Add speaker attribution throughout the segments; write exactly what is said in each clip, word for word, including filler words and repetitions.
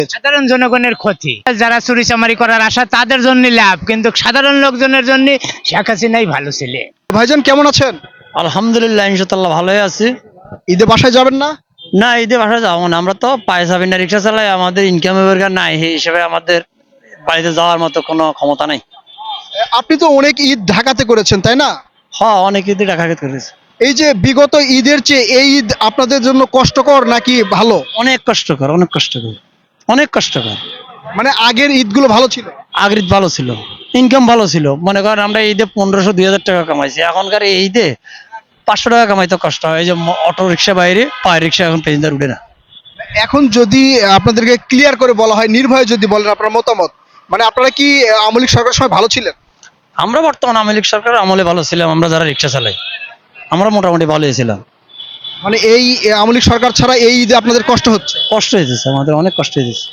Speaker 1: সাধারণ জনগণের ক্ষতি, যারা চুরি চামারি করার আশা তাদের জন্য লাভ, কিন্তু সাধারণ লোকজনের জন্য শেখ হাসিনাই ভালো ছিল।
Speaker 2: ভাইজান কেমন আছেন?
Speaker 3: আলহামদুলিল্লাহ, ইনশাআল্লাহ ভালোই আছি।
Speaker 2: ঈদে বাসায় যাবেন না?
Speaker 3: না, ঈদে বাসায় যাবো না, আমরা তো পায়ে যাবি না, রিক্সা চালাই, আমাদের ইনকামের বেরকার নাই, সেই হিসেবে আমাদের বাড়িতে যাওয়ার মতো কোনো ক্ষমতা নাই।
Speaker 2: আপনি তো অনেক ঈদ ঢাকাতে করেছেন তাই না?
Speaker 3: হ্যাঁ, অনেক ঈদে টাকা করেছে।
Speaker 2: এই যে বিগত ঈদের চেয়ে এই ঈদ আপনাদের জন্য কষ্টকর নাকি ভালো?
Speaker 3: অনেক কষ্টকর, অনেক কষ্টকর, অনেক কষ্টকর।
Speaker 2: মানে আগের ঈদগুলো ভালো ছিল?
Speaker 3: আগের ঈদ ভালো ছিল, ইনকাম ভালো ছিল। মনে করেন আমরা ঈদে পনেরোশো দুই হাজার টাকা কামাইছি, এখনকার এই ঈদে পাঁচশো টাকা কামাইতে কষ্ট হয়। এই যে অটো রিক্সা বাইরে, পায়ে রিক্সা এখন প্যাসেঞ্জার উঠে না।
Speaker 2: এখন যদি আপনাদেরকে ক্লিয়ার করে বলা হয়, নির্ভয়ে যদি বলেন আপনার মতামত, মানে আপনারা কি আওয়ামী লীগ সরকারের সময় ভালো ছিলেন?
Speaker 3: আমরা বর্তমান আওয়ামী লীগ সরকার আমলে ভালো ছিলাম, আমরা যারা রিক্সা চালাই আমরা মোটামুটি ভালোই ছিলাম।
Speaker 2: মানে এই আওয়ামী লীগ সরকার ছাড়া এই ঈদে আপনাদের কষ্ট হচ্ছে?
Speaker 3: কষ্ট হয়েছে, আমাদের অনেক কষ্ট হয়েছে।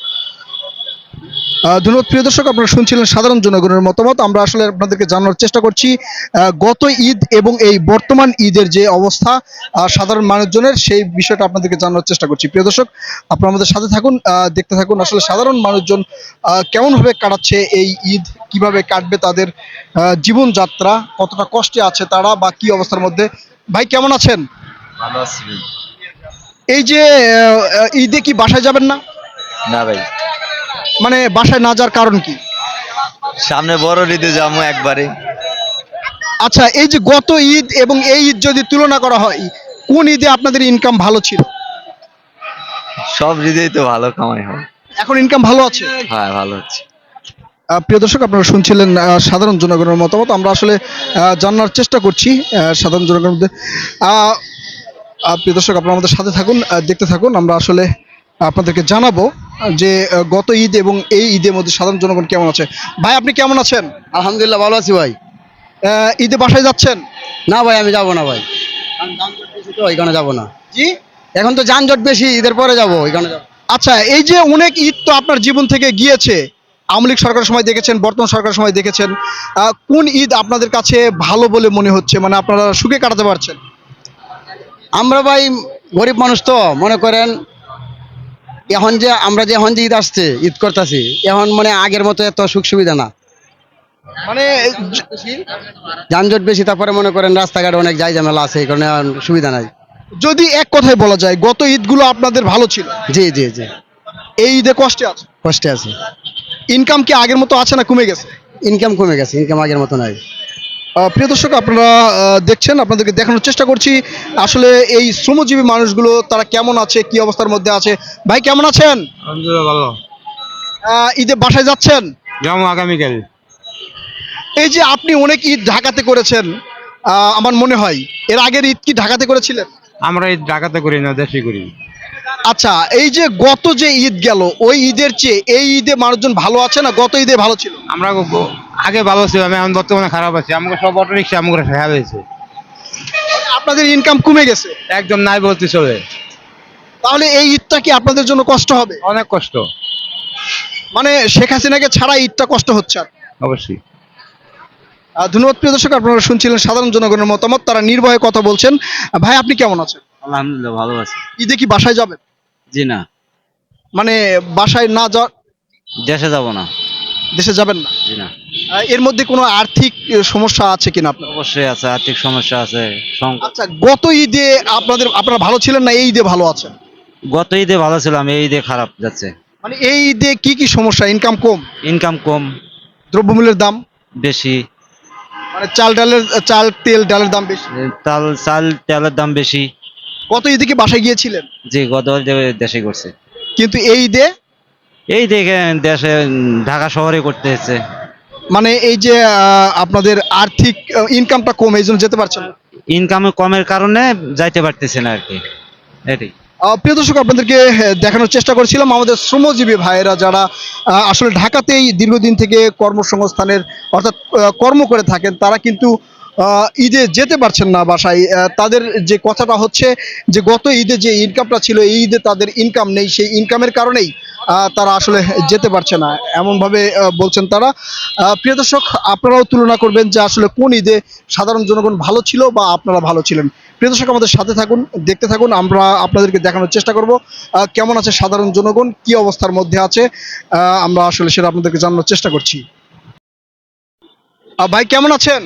Speaker 2: আহ, ধন্যবাদ প্রিয় দর্শক, আপনারা শুনছিলেন সাধারণ জনগণের মতামত। আমরা আসলে আপনাদেরকে জানানোর চেষ্টা করছি আহ, গত ঈদ এবং এই বর্তমান ঈদের যে অবস্থা আহ, সাধারণ মানুষজনের, সেই বিষয়টা আপনাদেরকে জানানোর চেষ্টা করছি। প্রিয় দর্শক, আপনারা আমাদের সাথে থাকুন, আহ, দেখতে থাকুন আসলে সাধারণ মানুষজন আহ, কেমনভাবে কাটাচ্ছে এই ঈদ, কিভাবে কাটবে তাদের আহ, জীবনযাত্রা, কতটা কষ্টে আছে তারা বা কি অবস্থার মধ্যে। ভাই কেমন আছেন?
Speaker 4: ভালো আছি ভাই।
Speaker 2: এই যে আহ, ঈদে কি বাসায় যাবেন না?
Speaker 4: না ভাই,
Speaker 2: মানে বাসায় না যাওয়ার কারণ কি?
Speaker 4: সামনে বড় ঈদে যাবো একবারে।
Speaker 2: আচ্ছা, এই যে গত ঈদ এবং এই ঈদ যদি তুলনা করা হয়, কোন ঈদে আপনাদের ইনকাম ভালো ছিল?
Speaker 4: সব ঈদেই তো ভালো কামাই হয়।
Speaker 2: এখন ইনকাম ভালো আছে?
Speaker 4: হ্যাঁ, ভালো হচ্ছে।
Speaker 2: আহ, প্রিয় দর্শক, আপনারা শুনছিলেন আহ, সাধারণ জনগণের মতামত। আমরা আসলে আহ, জানার চেষ্টা করছি আহ, সাধারণ জনগণের মধ্যে। আহ, আহ, প্রিয় দর্শক, আপনারা আমাদের সাথে থাকুন, আহ, দেখতে থাকুন। আমরা আসলে আপনাদেরকে জানাবো যে আহ, গত ঈদ এবং এই ঈদের মধ্যে সাধারণ জনগণ কেমন আছে। ভাই আপনি কেমন আছেন?
Speaker 5: আলহামদুলিল্লাহ ভালো আছি ভাই।
Speaker 2: আহ, ঈদে বাসায় যাচ্ছেন?
Speaker 5: না ভাই, আমি যাবো না ভাই, কারণ যানজট বেশি তো, এখানে যাবো না।
Speaker 2: জি।
Speaker 5: এখন তো যানজট বেশি, ঈদের পরে যাবো, এখানে যাবো।
Speaker 2: আচ্ছা, এই যে অনেক ঈদ তো আপনার জীবন থেকে গিয়েছে, আওয়ামী লীগ সরকারের সময় দেখেছেন, বর্তমান সরকারের সময় দেখেছেন, আহ, কোন ঈদ আপনাদের কাছে ভালো বলে মনে হচ্ছে, মানে আপনারা সুখে কাটাতে পারছেন?
Speaker 5: আমরা ভাই গরিব মানুষ তো, মনে করেন এখন যে আমরা যে এখন যে ঈদ আসছে, ঈদ করতেছি, এখন মানে আগের মতো এত সুখ সুবিধা না,
Speaker 2: মানে
Speaker 5: যানজট বেশি, তারপরে মনে করেন রাস্তাঘাটে অনেক যাই ঝামেলা আছে, এই কারণে এখন সুবিধা নাই।
Speaker 2: যদি এক কথায় বলা যায়, গত ঈদগুলো আপনাদের ভালো ছিল,
Speaker 5: জি জি জি,
Speaker 2: এই ঈদে কষ্টে আছে।
Speaker 5: কষ্টে আছে।
Speaker 2: ইনকাম কি আগের মতো আছে না কমে গেছে?
Speaker 5: ইনকাম কমে গেছে, ইনকাম আগের মতো নাই।
Speaker 2: আহ, প্রিয় দর্শক, আপনারা আহ, দেখছেন, আপনাদেরকে দেখানোর চেষ্টা করছি আসলে এই শ্রমজীবী মানুষগুলো তারা কেমন আছে, কি অবস্থার মধ্যে আছে। ভাই কেমন আছেন?
Speaker 6: আলহামদুলিল্লাহ ভালো।
Speaker 2: আহ, ঈদে বাসায় যাচ্ছেন?
Speaker 6: যাবো আগামীকাল।
Speaker 2: এই যে আপনি অনেক ঈদ ঢাকাতে করেছেন, আহ, আমার মনে হয় এর আগের ঈদ কি ঢাকাতে করেছিলেন?
Speaker 6: আমরা এই ঢাকাতে করি না, দেশে করি।
Speaker 2: আচ্ছা, এই যে গত যে ঈদ গেল, ওই ঈদের চেয়ে এই ঈদে মানুষজন ভালো আছে না গত ঈদে ভালো ছিল?
Speaker 6: আমরা গ- আগে ভালো ছিল, আমি এখন বর্তমানে খারাপ আছি। আমাকে সব অটো রিক্সা আমাকে ফেলা হয়েছে,
Speaker 2: আপনাদের ইনকাম কমে গেছে,
Speaker 6: একদম নাই বলতে চলে।
Speaker 2: তাহলে এই ঈদটা কি আপনাদের জন্য কষ্ট হবে?
Speaker 6: অনেক কষ্ট।
Speaker 2: মানে শেখ হাসিনাকে ছাড়া ঈদটা কষ্ট হচ্ছে আর।
Speaker 6: অবশ্যই।
Speaker 2: আহ, ধন্যবাদ প্রিয় দর্শক, আপনারা শুনছিলেন সাধারণ জনগণের মতামত, তারা নির্ভয়ে কথা বলছেন। আহ, ভাই আপনি কেমন আছেন?
Speaker 4: আলহামদুলিল্লাহ ভালো আছি।
Speaker 2: ঈদে কি বাসায় যাবেন?
Speaker 4: জি না,
Speaker 2: মানে বাসায় না যা,
Speaker 4: দেশে যাব না।
Speaker 2: দেশে যাবেন না?
Speaker 4: জি না।
Speaker 2: আহ, এর মধ্যে কোনো আর্থিক আহ, সমস্যা আছে কিনা আপনার?
Speaker 4: অবশ্যই আছে, আর্থিক সমস্যা আছে, সংকট।
Speaker 2: আচ্ছা, গত ঈদে আপনাদের আপনারা ভালো ছিলেন না এই ঈদে ভালো আছেন?
Speaker 4: গত ঈদে ভালো ছিলাম, এই ঈদে খারাপ যাচ্ছে।
Speaker 2: মানে এই ঈদে কি কি সমস্যা? ইনকাম কম,
Speaker 4: ইনকাম কম,
Speaker 2: দ্রব্যমূল্যের দাম
Speaker 4: বেশি,
Speaker 2: মানে চাল ডালের চাল তেল ডালের দাম বেশি।
Speaker 4: তাল চাল তেলের দাম বেশি।
Speaker 2: গত ঈদে কি বাসায় গিয়েছিলেন?
Speaker 4: জি, গত ঈদে দেশে করছে।
Speaker 2: কিন্তু এই ঈদে
Speaker 4: এই দেখে দেশে উম, ঢাকা শহরে করতে হচ্ছে।
Speaker 2: মানে এই যে আহ, আপনাদের আর্থিক ইনকামটা কম, এই জন্য যেতে পারছেন না।
Speaker 4: ইনকাম কমের কারণে যাইতে পারতেছে না আর কি, এটাই।
Speaker 2: আহ, প্রিয় দর্শক, আপনাদেরকে আহ, দেখানোর চেষ্টা করছিলাম আমাদের শ্রমজীবী ভাইয়েরা যারা আহ, আসলে ঢাকাতেই দীর্ঘদিন থেকে কর্মসংস্থানের অর্থাৎ আহ, কর্ম করে থাকেন, তারা কিন্তু আহ, ঈদে যেতে পারছেন না বাসায়। আহ, তাদের যে কথাটা হচ্ছে যে গত ঈদে যে ইনকামটা ছিল, এই ঈদে তাদের ইনকাম নেই, সেই ইনকামের কারণেই আহ, তারা আসলে যেতে পারছে না এমনভাবে আহ, বলছেন তারা। আহ, প্রিয় দর্শক, আপনারাও তুলনা করবেন যে আসলে কোন ঈদে সাধারণ জনগণ ভালো ছিল বা আপনারা ভালো ছিলেন। প্রিয় দর্শক, আমাদের সাথে থাকুন, দেখতে থাকুন, আমরা আপনাদেরকে দেখানোর চেষ্টা করব আহ, কেমন আছে সাধারণ জনগণ, কি অবস্থার মধ্যে আছে। আহ, আমরা আসলে সেটা আপনাদেরকে জানানোর চেষ্টা করছি। আহ, ভাই কেমন আছেন?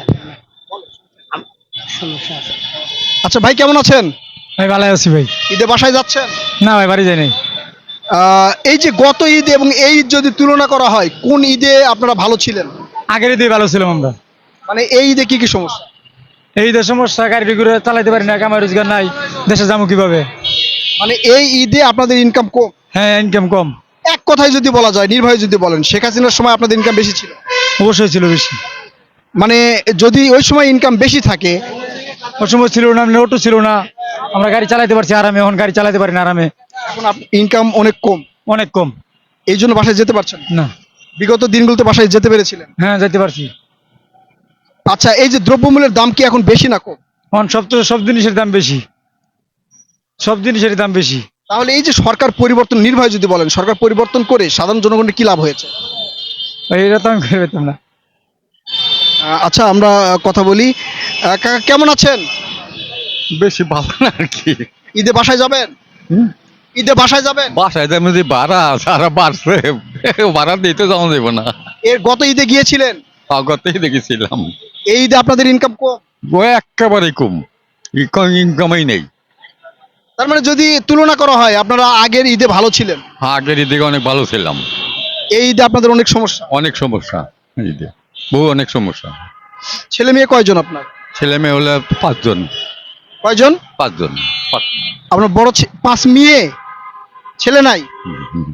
Speaker 2: আচ্ছা ভাই কেমন আছেন?
Speaker 3: ভাই ভালো আছি ভাই।
Speaker 2: ঈদে বাসায় যাচ্ছেন?
Speaker 3: না ভাই বাড়ি যাই নাই।
Speaker 2: আহ, এই যে গত ঈদ এবং এই ঈদ যদি তুলনা করা হয়, কোন ঈদে আপনারা ভালো ছিলেন?
Speaker 3: আগের ঈদে ভালো ছিলাম আমরা।
Speaker 2: মানে এই ঈদে কি কি সমস্যা?
Speaker 3: এই দেশের সমস্যা, গাড়ি ঘুরে চালাইতে পারি না, কামাই রোজগার নাই, দেশে যাবো কিভাবে?
Speaker 2: মানে এই ঈদে আপনাদের ইনকাম কম?
Speaker 3: হ্যাঁ, ইনকাম কম।
Speaker 2: এক কথায় যদি বলা যায়, নির্ভয়ে যদি বলেন, শেখ হাসিনার সময় আপনাদের ইনকাম বেশি ছিল?
Speaker 3: অবশ্যই ছিল বেশি।
Speaker 2: মানে যদি ওই সময় ইনকাম বেশি থাকে,
Speaker 3: ওই সময় ছিল না, নোটও ছিল না, আমরা গাড়ি চালাইতে পারছি আরামে, এখন গাড়ি চালাইতে পারি না আরামে,
Speaker 2: এখন ইনকাম অনেক কম,
Speaker 3: অনেক কম।
Speaker 2: এই জন্য বাসায় যেতে পারছেন না।
Speaker 3: না।
Speaker 2: বিগত দিনগুলোতে বাসায় যেতে পেরেছিলেন?
Speaker 3: হ্যাঁ, যেতে পারছি।
Speaker 2: আচ্ছা, এই যে দ্রব্যমূল্যের দাম কি এখন বেশি না কম?
Speaker 3: এখন সব তো সব জিনিসের দাম বেশি, সব জিনিসের দাম বেশি।
Speaker 2: তাহলে এই যে সরকার পরিবর্তন, নির্ভয়ে যদি বলেন, সরকার পরিবর্তন করে সাধারণ জনগণের কি লাভ হয়েছে?
Speaker 3: এটা তো আমি করে পেতাম না।
Speaker 2: আহ, আচ্ছা, আমরা কথা বলি। আহ, কাকা কেমন আছেন?
Speaker 7: বেশি ভালো না আর কি।
Speaker 2: ঈদে বাসায় যাবেন? ঈদে বাসায় যাবেন?
Speaker 7: বাসায় যেমন যে ভাড়া সারা বাড়ছে, ভাড়া দিতে যাওয়া যাবে না।
Speaker 2: এর গত ঈদে গিয়েছিলেন?
Speaker 7: আগতেই দেখেছিলাম
Speaker 2: এই ঈদে আপনাদের ইনকাম কম?
Speaker 7: ও একেবারে কম, ইনকামই নেই।
Speaker 2: তার মানে যদি তুলনা করা হয়, আপনারা আগের ঈদে ভালো ছিলেন,
Speaker 7: আগের দিকে অনেক ভালো ছিলাম।
Speaker 2: এই ঈদে আপনাদের অনেক সমস্যা।
Speaker 7: অনেক সমস্যা, এই যে বহু অনেক সমস্যা।
Speaker 2: ছেলে মেয়ে কয়জন আপনার?
Speaker 7: ছেলে মেয়ে হলে পাঁচজন।
Speaker 2: কয়জন?
Speaker 7: পাঁচজন পাঁচ-
Speaker 2: আপনার বড় ছে- পাঁচ মেয়ে, ছেলে নাই?
Speaker 7: হুম, হুম।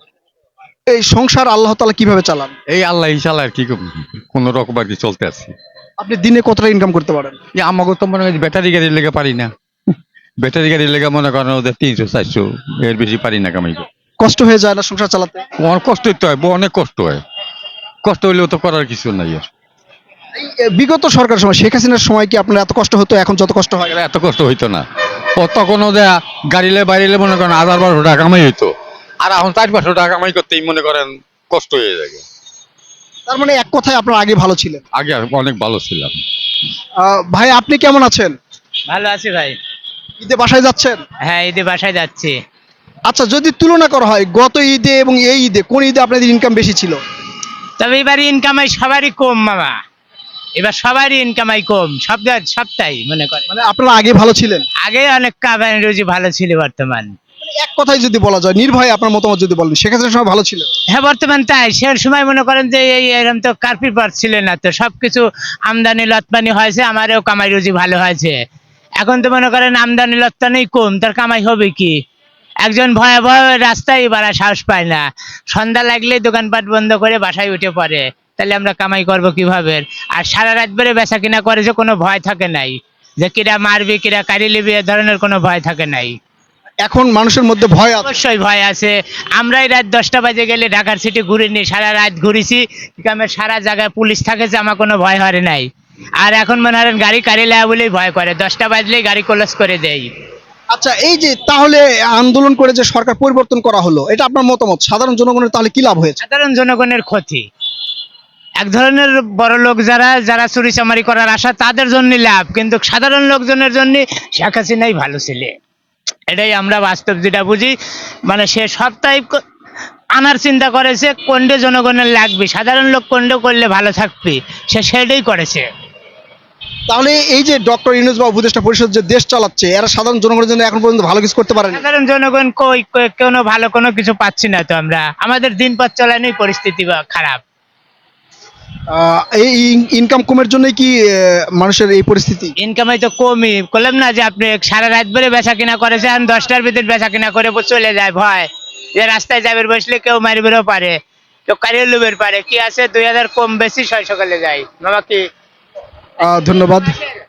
Speaker 2: এই সংসার আল্লাহ তাআলা কিভাবে চালান?
Speaker 7: এই আল্লাহ ইনশাল্লাহ আর কি কোন রকম আর কি চলতে আছি।
Speaker 2: আপনি দিনে কতটা ইনকাম করতে পারেন?
Speaker 7: এই আমাকে তো মনে হয় ব্যাটারি গাড়ির লেগে পারি না, ব্যাটারি গাড়ির লেগে মনে করেন ওদের তিনশো চারশো, এর বেশি পারি না কামাই করতে।
Speaker 2: কষ্ট হয়ে যায় না সংসার চালাতে?
Speaker 7: অনেক কষ্ট হইতে হয়, অনেক কষ্ট হয়। কষ্ট হইলেও তো করার কিছু নাই আর।
Speaker 2: এই, এ, বিগত সরকার সময়, শেখ হাসিনার সময় কি আপনার এত কষ্ট হতো এখন যত কষ্ট হয়?
Speaker 7: এত কষ্ট হইতো না। ও তখন ওদের গাড়িলে বাইরে মনে করেন হাজার বারোশো টাকা কামাই হইতো, আর এখন চার পাঁচশো টাকা কামাই করতেই মনে করেন কষ্ট হয়ে যায়।
Speaker 2: তার মানে এক কথায় আপনার আগে ভালো ছিলেন।
Speaker 7: আগে আর অনেক ভালো ছিলাম।
Speaker 2: আহ, ভাই আপনি কেমন আছেন?
Speaker 1: ভালো আছি ভাই।
Speaker 2: ঈদে বাসায় যাচ্ছেন?
Speaker 1: হ্যাঁ, ঈদে বাসায় যাচ্ছি।
Speaker 2: আচ্ছা, যদি তুলনা করা হয় গত ঈদে এবং এই ঈদে, কোন ঈদে আপনাদের ইনকাম বেশি ছিল?
Speaker 1: তবে এবার ইনকামাই সবারই কম মামা, এবার সবারই ইনকামাই কম, সব সবটাই মনে করে।
Speaker 2: মানে আপনারা আগে ভালো ছিলেন?
Speaker 1: আগে অনেক কামাই রুজি ভালো ছিল, বর্তমান
Speaker 2: মানে এক কথায় যদি বলা যায়, নির্ভয়ে আপনার মতামত যদি বলেন, শেখ হাসিনার সময় ভালো ছিল?
Speaker 1: হ্যাঁ বর্তমান তাই। সে সময় মনে করেন যে এই এরকম তো কার্পি পার ছিল না, তো সবকিছু আমদানি রপ্তানি হয়েছে, আমারও কামাই রুজি ভালো হয়েছে। এখন তো মনে করেন আমদানি রপ্তানি কম, তার কামাই হবে কি? একজন ভয়ে ভয়ে রাস্তায় বাড়া সাহস পায় না, সন্ধ্যা লাগলে দোকানপাট বন্ধ করে বাসায় উঠে পড়ে, তাহলে আমরা কামাই করব কিভাবে? আর সারা রাত ধরে বেচা কিনা করে, যে কোনো ভয় থাকে নাই, যে কিরা মারবি কিরা কারি লিবি, এ ধরনের কোনো ভয় থাকে নাই।
Speaker 2: এখন মানুষের মধ্যে ভয় আছে?
Speaker 1: অবশ্যই ভয় আছে। আমরাই রাত দশটা বাজে গেলে ঢাকার সিটি ঘুরিনি, সারা রাত ঘুরেছি, গ্রামের সারা জায়গায় পুলিশ থাকে, যে আমার কোনো ভয় হরে নাই। আর এখন মনে হয় গাড়ি কারি লাগা বলেই ভয় করে, দশটা বাজলেই গাড়ি ক্লোজ করে দেয়।
Speaker 2: আচ্ছা, এই যে তাহলে আন্দোলন করে যে সরকার পরিবর্তন করা হলো, এটা আপনার মতামত, সাধারণ জনগণের তাহলে কি লাভ হয়েছে?
Speaker 1: সাধারণ জনগণের ক্ষতি। এক ধরনের বড় লোক যারা যারা চুরি চামারি করার আশা, তাদের জন্য লাভ, কিন্তু সাধারণ লোকজনের জন্য শেখ হাসিনাই ভালো ছিল। এটাই আমরা বাস্তব যেটা বুঝি। মানে সে সবটাই ক- আনার চিন্তা করেছে, কোনটা জনগণের লাগবে, সাধারণ লোক কোনটা করলে ভালো থাকবে, সে সেটাই করেছে।
Speaker 2: তাহলে এই যে ডক্টর ইউনূস বা উপদেষ্টা পরিষদ যে দেশ চালাচ্ছে, এরা সাধারণ জনগণের জন্য এখন পর্যন্ত ভালো কিছু করতে পারেনি?
Speaker 1: সাধারণ জনগণ কই কই- কোনো ভালো কোনো কিছু পাচ্ছি না তো আমরা, আমাদের দিন পথ চলানোই পরিস্থিতি বা খারাপ।
Speaker 2: আহ, এই ইনকাম কমের জন্যই কি আহ, মানুষের এই পরিস্থিতি?
Speaker 1: ইনকামাই তো কমই, বললাম না যে আপনি সারা রাত ধরে বেচা কিনা করেছেন, দশটার ভিতরে বেচা কিনা করে চলে যায়, ভয় যে রাস্তায় যাবে বসলে কেউ মারবেরও পারে, কেউ কারিয়ে লুবের পারে, কি আছে দুই হাজার কম বেশি ছয় সকালে যায় মামা কি।
Speaker 2: আহ, ধন্যবাদ।